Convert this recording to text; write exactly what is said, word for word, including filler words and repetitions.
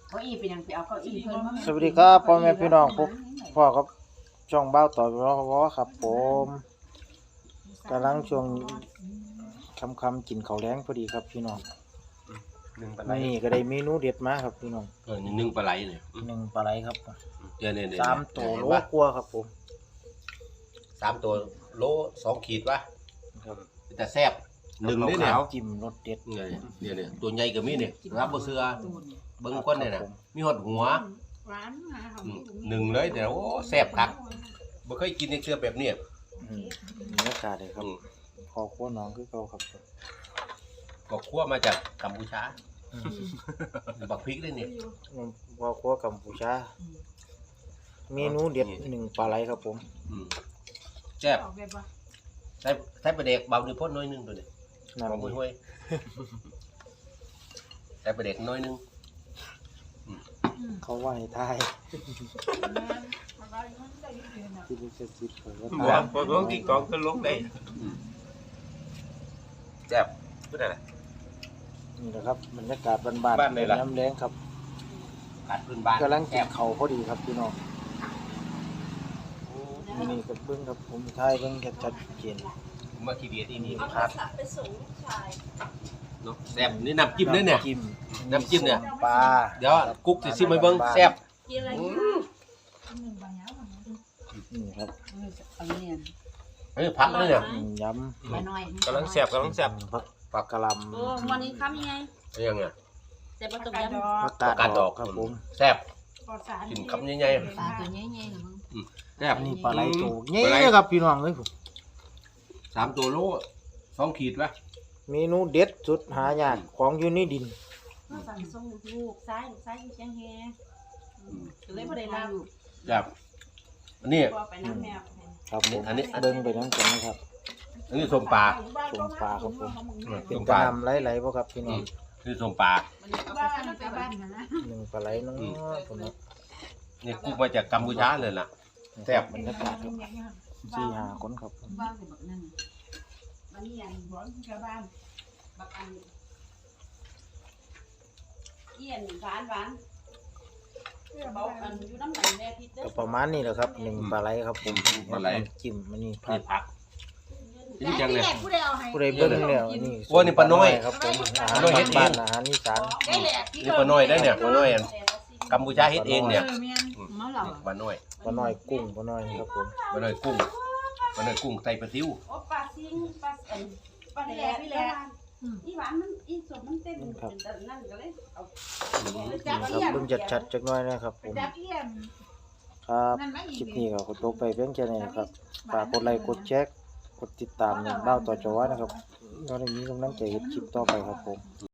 เก้าอี้เป็นยังไปเอาเก้าอี้เพิ่นมาสวัสดีครับพ่อแม่พี่น้องพบพ่อครับช่องเบ้าต่อรอวอครับผมกำลังช่วงคำคำๆกินข้าวแรงพอดีครับพี่น้องหนึ่งปลาไหลนี่ก็ได้เมนูเด็ดมาครับพี่น้องเออหนึ่งปลาไหลเนี่ยหนึ่งปลาไหลครับเดี๋ยวเนี่ยสามตัวโลกลัวครับผมสามตัวโลสองขีดวะครับแต่แซ่บหนึ่งนี่เนี่ยจิ้มรสเด็ดเนี่ยเนี่ยเนี่ยตัวใหญ่กับมีเนี่ยรับบ่เสือเบิ่งก้นเนี่ยนะมีหดหัวร้านมาของอืมหนึ่งเลยแต่โอ้แซ่บคักบ่เคยกินในเสือแบบเนี้ยอืมบรรยากาศเลยครับอืมขอขั้วน้องคือเก่าครับก็คั่วมาจากกัมพูชาอืมบักพริกด้วยเนี่ยพอขั้วกัมพูชาเมนูเด็ดหนึ่งปลาไหลครับผมอืมแซ่บออกแบบว่าใส่ใส่ปลาแดกเบาด้วยพ่นน้อยนึงตัวเนี่ยนั่นของเองห้วยใส่ปลาแดกน้อยนึงเขาว่าให้ทายอะไรมันได้ยินเสียงน่ะที่ลิขสิทธิ์เขาก็หัวตามพอลงที่กองก็ลงได้แซ่บพูดอะไรนี่แหละครับบรรยากาศบ้านบ้านไหนล่ะน้ำแรงครับกัดพื้นบ้านกำลังกิแซ่นบเขาวพอดีครับพี่น้องนี่กับเบิ้งครับผมทายเบิ้งชัดๆเจนมาทีเดียที่นี่เอาคโทรัรบศัพท์ไปส่งลูกชายเนาะแซ่บนี่น้ำจิ้มด้วยเนี่ยจิ้มน้ำจิ้มเนี่ยปลาเดี๋ยวกุ๊กสิซิมให้เบิ่งแซ่บกินอะไรอืกินมหนึ่งบางอย่างมันนี่ครับเอาเนี่ยเฮ้ยพักเลยเนี่ยอืมยไปหน่อยกำลังแซ่บกำลังำแซ่บผักผักกะหล่โอ้วันนี้ค้ำยังไงเอายังไงแต่ประตูยังำผักกาดกาดดดออก กครับผมแซ่บปลอดสารกินคำใหญ่ปลาตัวใหญ่ๆเหรอมึงๆแซ่บอันนี้ปลาไหลโตเงี้ปลาไหลยครับพี่น้องเอ้ยผมสามตัวโลสองขีดวะเมนูเด็ดสุดหายากของอยู่ในดินสั่งส่งลูกซ้ายลูกซ้ายอยู่เชียงแฮเลยบ่ได้รับแซ่บอันนี้บ่ไปน้ำแมวครับผมอันนี้เบิ้งไปน้ำกันนะครับอันนี้ส้มปลาชมปลาครับผม เป็ส้นมกประ ลานำไหลๆบ่ครับพี่น้อืองมนี่ส้มปลาบ้านไปบ้านนะหนึ่งปลาไหลน้อยผมนะนี่กุ๊กมาจากกัมพูชาเลยล่ะ แซ่บบรรยากาศครับสี่ห้าคนครับผมบ้านสิบักนั่นบ้านนี้อันร้อนกับบ้านบักอันเอี้ยนหวานหวานเบาอันอยู่น้ำไหลแม่พิษเด้ก็อประมาณนี้แหละครับหนึ่งปลาไหลครับผมปลาไหลน้ำจิ้มมันนี่ผันี่ดผักนี่จังเลยผู้ใดเอาให้ผู้ใดเบิ้งแล้วนี่โอ้นี่ปลาน้อยครับผมอาหารปลาน้อยเฮ็ดเองบ้านๆอาหารอีสานได้แหละนี่ปลาน้อยได้เนี่ยปลาน้อยอันกัมพูชาเฮ็ดเองเนี่ยเมาเหล่าปลาน้อยปลาน้อยกุ้งปลาน้อยครับผมปลาน้อยกุ้งปลาน้อยกุ้งใส่ปลาซิวโอ้ปลาซิงปลาเอ็นปลาแหล่พี่แหล่อีหวานมันอีสดมันเต้นเป็นแต่นั่นก็เลยเอานี่ครับเบิ้งชัดๆจักหน่อยนะครับผมจับเอี้ยนครับคลิปนี้ก็ขอตัวไปเพียงแค่นี้นะครับฝากกดไลค์กดแชร์กดติดตามในเบ้าต่อจอนะครับเราได้มีกำลังใจเฮ็ดคลิปต่อไปครับผม